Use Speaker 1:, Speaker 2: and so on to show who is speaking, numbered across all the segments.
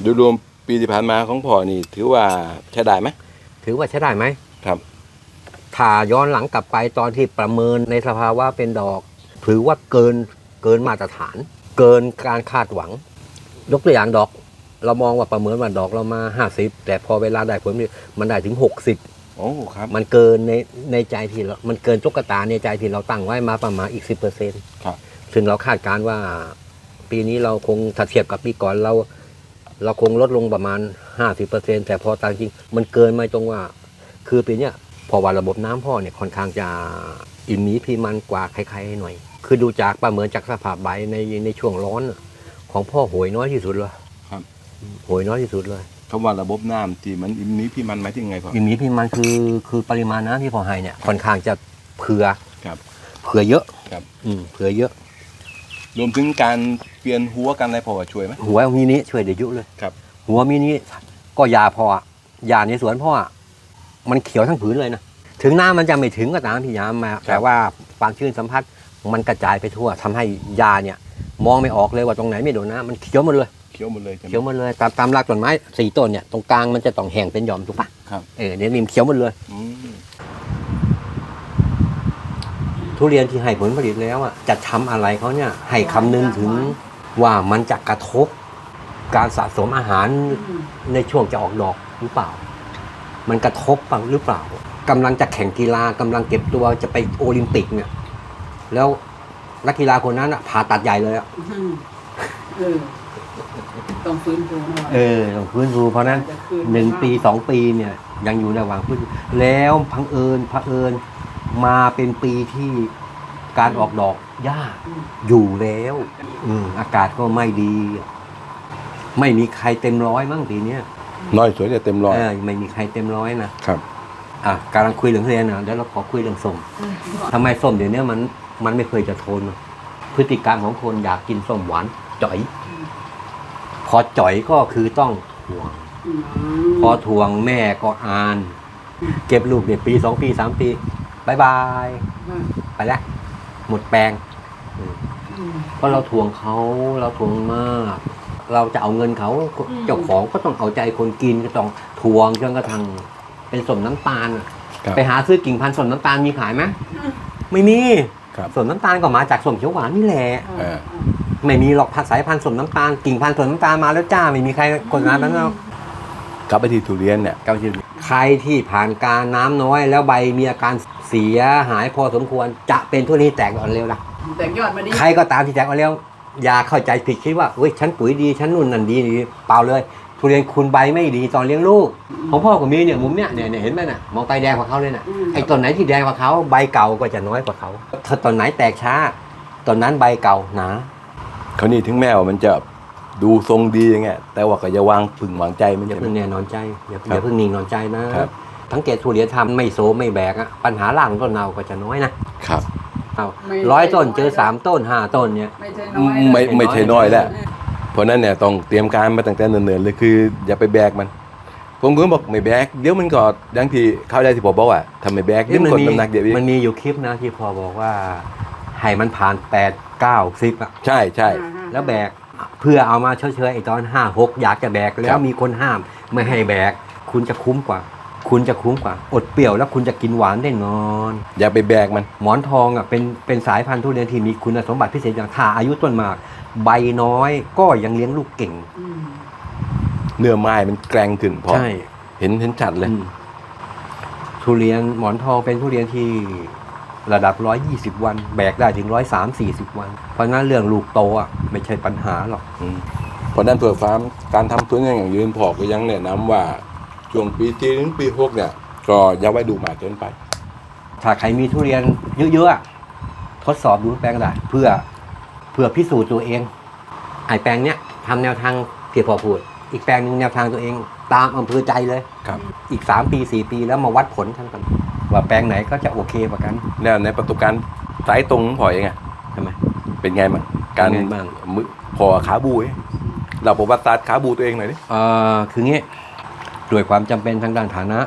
Speaker 1: โดยรวมปีที่ผ่านมาของพ่อนี่ถือว่าใช้ได้ไหม
Speaker 2: ถือว่าใช้ได้ไหม
Speaker 1: ครับ
Speaker 2: ถ้าย้อนหลังกลับไปตอนที่ประเมินในสภาวะเป็นดอกถือว่าเกินมาตรฐาน เกินการคาดหวังยกตัวอย่างดอกเรามองว่าประเมินว่าดอกเรามา50แต่พอเวลาได้ผลมันได้ถึง60
Speaker 1: โอ้ครับ
Speaker 2: มันเกินในใจที่เรามันเกินตุ๊กตาในใจที่เราตั้งไว้มาประมาณอีก 10%
Speaker 1: ครับ
Speaker 2: ซึ่งเราคาดการณ์ว่าปีนี้เราคงถ้าเทียบกับปีก่อนเราคงลดลงประมาณ 50% แต่พอตามจริงมันเกินมาตรงว่าคือปีนี้พอว่าระบบน้ำพ่อเนี่ยค่อนข้างจะอิ่มหมีพีมันกว่าใครๆหน่อยคือดูจากประเมินจากสภาพใบในช่วงร้อนของพ่อโหยน้อยที่สุดเลย
Speaker 1: ครับ
Speaker 2: โหยน้อยที่สุดเลย
Speaker 1: คำว่าระบบน้ำที่มันอิ่มหมีพีมันหมายถึงไงพ่อ
Speaker 2: อิ่มหมีพีมันคือปริมาณน้ำที่พ่อให้เนี่ยค่อนข้างจะเผื่อเยอะ
Speaker 1: ครับ
Speaker 2: เผื่อเยอะ
Speaker 1: รวมถึงการเปลี่ยนหัวกันอะไรพอช่วยไหม
Speaker 2: หัวมินิช่วยเดี๋ยวยุเลย
Speaker 1: ครับ
Speaker 2: หัวมินิก็ยาพอยาในสวนพ่อมันเขียวทั้งผืนเลยนะถึงน้ำมันจะไม่ถึงก็ตามพี่ยามมาแต่ว่าความชื้นสัมผัสมันกระจายไปทั่วทำให้ยาเนี่ยมองไม่ออกเลยว่าตรงไหนไม่โดนน้ำมันเขียวหมดเลย
Speaker 1: เขียวหมดเลย
Speaker 2: ตามรากต้นไม้4ต้นเนี่ยตรงกลางมันจะต้องแห้งเป็นหย่อมถูกปะ
Speaker 1: ครับ
Speaker 2: เนี่ยนี่มันเขียวหมดเลยทุเรียนที่ให้ผลผลิตแล้วจะทำอะไรเขาเนี่ยให้คำนึงถึงว่ามันจะกระทบการสะสมอาหารในช่วงจะออกดอกหรือเปล่ามันกระทบบ้างหรือเปล่ากำลังจะแข่งกีฬากำลังเก็บตัวจะไปโอลิมปิกเนี่ยแล้วนักกีฬาคนนั้นผ่าตัดใหญ่เลย
Speaker 3: ต้องฟื้นฟู
Speaker 2: ต้องฟื้นฟูเพราะนั้น1 ปี 2 ปีเนี่ยยังอยู่ในระหว่างฟื้นแล้วพังเอิญมาเป็นปีที่การออกดอกยากอยู่แล้วอากาศก็ไม่ดีไม่มีใครเต็มร้อยมั้งปีนี้
Speaker 1: น้อยสวยจะเต็มร้อย
Speaker 2: ไม่มีใครเต็มร้อยนะครับกำลังคุยเรื่องเรียนเดี๋ยวเราขอคุยเรื่องส้มทำไมส้มเดี๋ยวนี้มันไม่เคยจะทนพฤติกรรมของคนอยากกินส้มหวานจ่อยพอจ่อยก็คือต้องถ่วงพอถ่วงแม่ก็อ่านเก็บลูกเดี๋ยวปี2 ปี 3 ปีบายบายไปแล้วหมดแปลงเพราะเราถ่วงมากเราจะเอาเงินเขาเจ้าของก็ต้องเอาใจคนกินก็ต้องถ่วงจนกระทั่งเป็นส้มน้ำตาลไปหาซื้อกิ่งพันธุ์ส้มน้ำตาลมีขายไหมไม่มีส้มน้ำตาลก็มาจากส้มเขียวหวานนี่แหละไม่มีหรอกสายพันธุ์ส้มน้ำตาลกิ่งพันธุ์ส้มน้ำตาลมาแล้วจ้าไม่มีใครกดน้ำนั้นแล้ว
Speaker 1: กลับไปที่ทุเรียนเนี่ย
Speaker 2: ใครที่ผ่านการน้ำน้อยแล้วใบมีอาการเสียหายพอสมควรจะเป็นทุเรียนแตกอ่อนเร็วนะ
Speaker 3: แตกยอดมาดี
Speaker 2: ใครก็ตามที่แตกอ่อนเร็วอย่าเข้าใจผิดคิดว่าเฮ้ยฉันปุ๋ยดีฉันนู่นนั่นดีเปล่าเลยทุเรียนคุณใบไม่ดีตอนเลี้ยงลูกของพ่อกับมีเนี่ยมุมเนี่ยเห็นไหมน่ะมองไปแดงกว่าเขาเลยน่ะไอ้ต้นไหนที่แดงกว่าเขาใบเก่าก็จะน้อยกว่าเขาถ้าต้นไหนแตกช้าต้นนั้นใบเก่าหนา
Speaker 1: เขานี่ถึงแม้ว่ามันจะดูทรงดีอย่างเงี้ยแต่ว่าก็อย่าวางพึ่งวางใจมัน
Speaker 2: อย่าเพิ่งแน่นอนใจอย่าเพิ่งนิ่งนอนใจนะทั้งเกตทุเรียนทำไม่โซไม่แบกปัญหาล่างต้นเนาก็จะน้อยนะครับ100 ต้นเจอ3 ต้น5 ต้นเนี่ย
Speaker 1: ไม่ใช่น้อยแล้วเพราะนั้นเนี่ยต้องเตรียมการมาตั้งแต่เนิ่นๆเลยคืออย่าไปแบกมันผมก็บอกไม่แบกเดี๋ยวมันก็ดังที่เข้าได้ที่ผมบอกว่าทำไม่แบกเดี๋ยวมันกดน้ำหนักเดี๋ยว
Speaker 2: มันมีอยู่คลิปนะที่พอบอกว่าให้มันผ่าน8 9 10
Speaker 1: ใช่
Speaker 2: แล้วแบกเพื่อเอามาเฉยๆไอ้ตอน5 6อยากจะแบกแล้วมีคนห้ามไม่ให้แบกคุณจะคุ้มกว่าอดเปรี้ยวแล้วคุณจะกินหวานได้นอน
Speaker 1: อย่าไปแบกมัน
Speaker 2: หมอนทองเป็นสายพันธุ์ทุเรียนที่มีคุณสมบัติพิเศษอย่างถ้าอายุต้นมากใบน้อยก็ยังเลี้ยงลูกเก่ง
Speaker 1: เนื้อไม้มันแกร่งขึ้นพอเห็นชัดเลย
Speaker 2: ทุเรียนหมอนทองเป็นทุเรียนที่ระดับ120 วันแบกได้ถึง130-140 วันเพราะนั้นเรื่องลูกโตไม่ใช่ปัญหาหรอก
Speaker 1: เพราะนั้นตัวฟาร์มการทำทุเรียนอย่างยืนพอก็ยังแนะนำว่าช่วงปีที่ถึงปี6เนี่ยก็อย่าไว้ดูหมาเกินไป
Speaker 2: ถ้าใครมีทุเรียนเยอะๆทดสอบดูแปลงได้เพื่อพิสูจน์ตัวเองไอ้แปลงเนี้ยทำแนวทางที่พอพูดอีกแปลงนึงแนวทางตัวเองตามอำเภอใจเลยอีก3 ปี 4 ปีแล้วมาวัดผลกันว่าแปลงไหนก็จะโอเคกว่ากัน
Speaker 1: แล้วในประสบการณ์สายตรงพอเอง
Speaker 2: ทำไม
Speaker 1: เป็นไงบ้างการมือพอขาบูเราประวัติศาสตร์ขาบูตัวเองหน่อยดิ
Speaker 2: คืองี้ด้วยความจำเป็นทางด้านฐานะ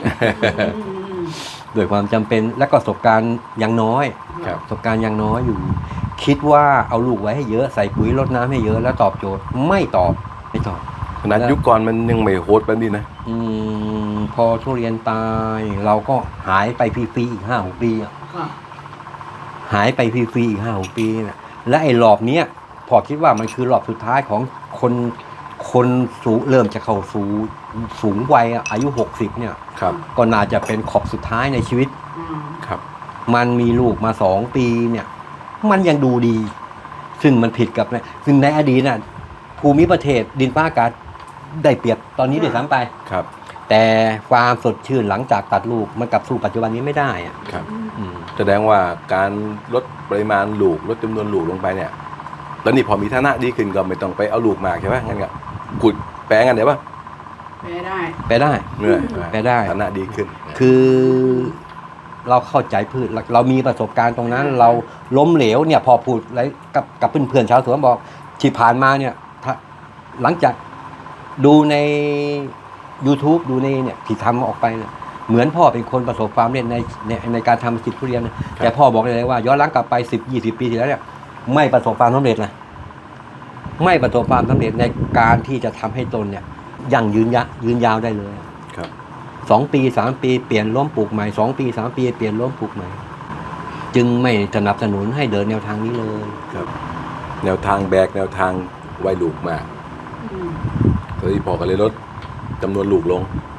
Speaker 2: ด้วยความจำเป็นและก็ประสบการณ์ยังน้อยประสบการณ์ยังน้อยอยู่คิดว่าเอาลูกไว้ให้เยอะใส่ปุ๋ยรดน้ำให้เยอะแล้วตอบโจทย์ไม่ตอบ
Speaker 1: ขนาดยุคก่อนมันยังไม่โหดแบบนี้นะ
Speaker 2: พอทุเรียนตายเราก็หายไปฟรีๆอีก5-6 ปีอะ
Speaker 3: ค่ะ
Speaker 2: หายไปฟรีๆอีก5-6 ปีนะและไอ้รอบเนี้ยพอคิดว่ามันคือรอบสุดท้ายของคนสูงเริ่มจะเข้าสู่สูงวัยอะอายุ60เนี่ย
Speaker 1: ครับ
Speaker 2: ก็น่าจะเป็นขอบสุดท้ายในชีวิต
Speaker 3: อืม
Speaker 1: ครับ
Speaker 2: มันมีลูกมา2 ปีเนี่ย มันยังดูดี ซึ่งมันผิดกับเนี่ยซึ่งในอดีตน่ะภูมิประเทศดินฟ้าอากาศได้เปรียบตอนนี้ด้วยซ้ำไป
Speaker 1: ครับ
Speaker 2: แต่ความสดชื่นหลังจากตัดลูกมันกลับสู่ปัจจุบันนี้ไม่ได้อะ
Speaker 1: ครับ
Speaker 2: อืม
Speaker 1: แสดงว่าการลดปริมาณลูกลดจำนวนลูกลงไปเนี่ย ตอนนี้พอมีฐานะดีขึ้นก็ไม่ต้องไปเอาลูกมากใช่ไหมงั้นก็ขุดแปลงกันเดี๋ยวป่ะ
Speaker 3: แพ้ได้
Speaker 2: ไปได้
Speaker 1: เหนื่อย
Speaker 2: ไปได้
Speaker 1: ฐานะดีขึ้น
Speaker 2: คือเราเข้าใจพืชเรามีประสบการณ์ตรงนั้น เราล้มเหลวเนี่ยพอพูดอะไรกับเพื่อนๆชาวสวนบอกที่ผ่านมาเนี่ยถ้าหลังจากดูใน YouTube ดูในเนี่ยที่ทำออกไปเนี่ยเหมือนพ่อเป็นคนประสบความสำเร็จในการทำอาชีพทุเรียนนะแต่พ่อบอกเลยว่าย้อนหลังกลับไป10-20 ปีที่แล้วเนี่ยไม่ประสบความสำเร็จนะไม่ประสบความสำเร็จในการที่จะทำให้ตนเนี่ยยังยืนยาวได้เลย
Speaker 1: ครับ
Speaker 2: 2 ปี 3 ปีเปลี่ยนล้มปลูกใหม่2 ปี 3 ปีเปลี่ยนล้มปลูกใหม่จึงไม่สนับสนุนให้เดินแนวทางนี้เลย
Speaker 1: ครับ แนวทางแบกแนวทางไว้ลูกมาก
Speaker 3: อืม
Speaker 1: ตอนนี้พอก็เลยลดจำนวนลูกลง
Speaker 3: อ